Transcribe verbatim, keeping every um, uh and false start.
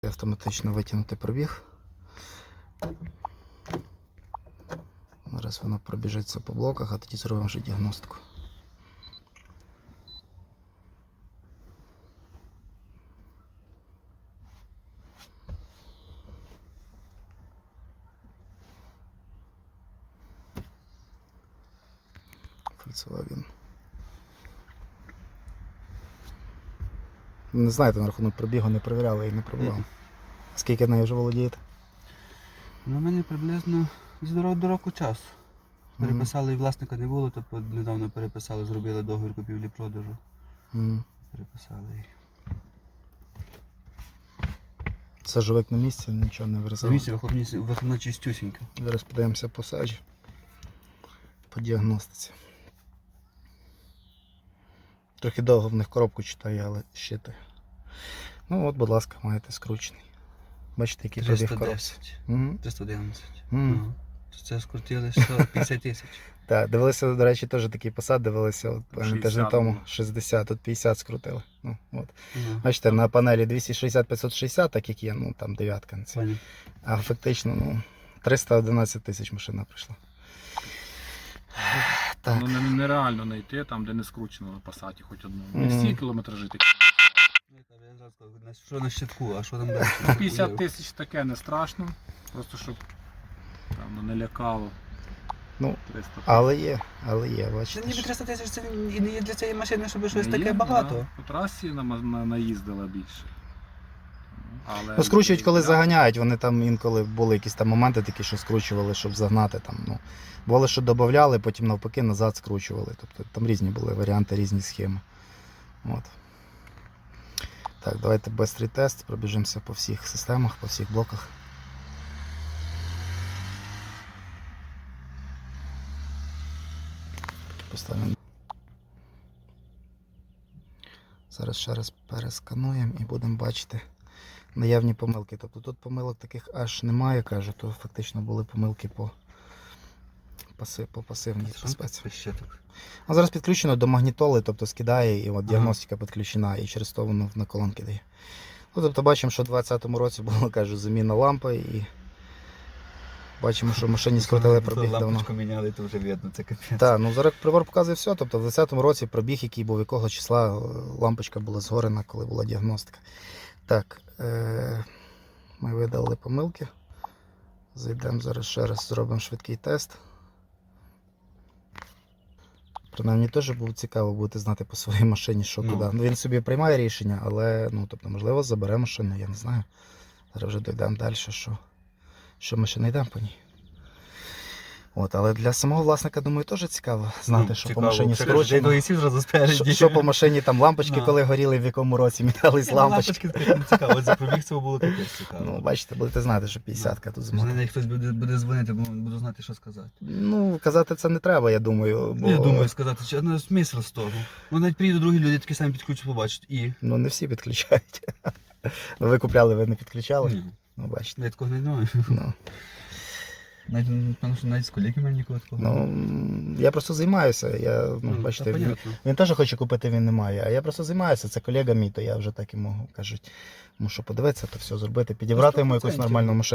автоматично витягнути пробіг. Зараз воно пробіжиться по блоках, а тоді зробимо вже діагностику. Volkswagen. Не знаєте, на рахунок пробігу не перевіряли і не пробував. Скільки нею вже володієте? Ну, мені приблизно з до, до року часу. Переписали, і власника не було, тобто недавно переписали, зробили договір купівлі-продажу. Mm. Переписали її. Сажовик на місці, нічого не вирізав. На місці вихлопна чистюсінька. Зараз подивимося по саджі, по діагностиці. Трохи довго в них коробку читає, але щитає. Ну от, будь ласка, маєте скручений. Бачите, який пробіг в коробці. триста одинадцять. Mm. Ага. Це скрутили сто п'ятдесят тисяч. Так, дивилися, до речі, теж такий посад, дивилися от, тиждень тому ну. шістдесят, тут п'ятдесят скрутили. Ну, от. Ага. Бачите, на панелі двісті шістдесят п'ятсот шістдесят, так як є, ну там дев'ятка. Пані. А фактично, ну, триста одинадцять тисяч машина прийшла. Так. Ну не- нереально знайти там, де не скручено на пасаті хоч одну. Не Мгм. всі кілометражі такі. Я зразу сказав, що на щитку, а що там далі? п'ятдесят тисяч таке не страшно. Просто щоб там, ну, не лякало. Ну, триста тисяч. але є, але є, Це бачите. ніби що- триста тисяч, це і не є для цієї машини, щоб щось Є, таке да. багато. По трасі на, на, наїздила більше. Але Ну, скручують, коли для- заганяють, вони там інколи були якісь там моменти такі, що скручували, щоб загнати там. Ну, бувало, що додавали, потім навпаки назад скручували. Тобто там різні були варіанти, різні схеми. От. Так, давайте бистрий тест, пробіжимося по всіх системах, по всіх блоках. Поставимо. Зараз ще раз перескануємо і будемо бачити наявні помилки. Тобто тут помилок таких аж немає, кажу, то фактично були помилки по, паси, по пасивній безпеці. Щиток. А зараз підключено до магнітоли, тобто скидає, і от діагностика підключена, і через то воно на колонки дає. Ну, тобто бачимо, що у двадцятому році була, кажу, заміна лампи, і бачимо, що в машині скрутили пробіг давно. Лампочку міняли, то вже видно, це капець. Так, ну зараз прибор показує все. Тобто в двадцятому році пробіг, який був, якого числа лампочка була згорена, коли була діагностика. Так, е- ми видали помилки. Зайдемо зараз ще раз, зробимо швидкий тест. Принаймні теж було цікаво бути знати по своїй машині, що Ну. куди. Ну, він собі приймає рішення, але, ну, тобто, можливо, забере машину, я не знаю. Зараз вже дійдемо далі, що, що ми ще не йдемо по ній. От, але для самого власника, думаю, теж цікаво знати, Ну, що цікаво. по машині Ще кажуть, скручено. «Дай зразу спереді». Що, що по машині там лампочки, Ну. коли горіли, в якому році мінялись Ні, ну, лампочки. лампочки таке цікаво, от за пробіг цього було капець цікаво. Ну, бачите, будете знати, що п'ятдесятка тут Вже змотана. навіть хтось буде, буде дзвонити, бо буду знати, що сказати. Ну, казати це не треба, я думаю. Бо... Я думаю сказати, що ну, смисл з того. Ну навіть приїдуть другі люди, такі самі підключать, побачать. І? Ну, не всі підключають. Ну, ви купляли, ви не підключали? Ні. Ну, бачите. Я такого не знаю. Ну, Навіть, певно, що навіть з колегами мені нікого такого. ну, я просто займаюся. Я, ну, Ну, бачите, та він, понятно. він теж хоче купити, він не має. А я просто займаюся, це колега мій, то я вже так і можу, кажуть, мушу подивитися, то все зробити, підібрати йому якусь сто відсотків. нормальну машину.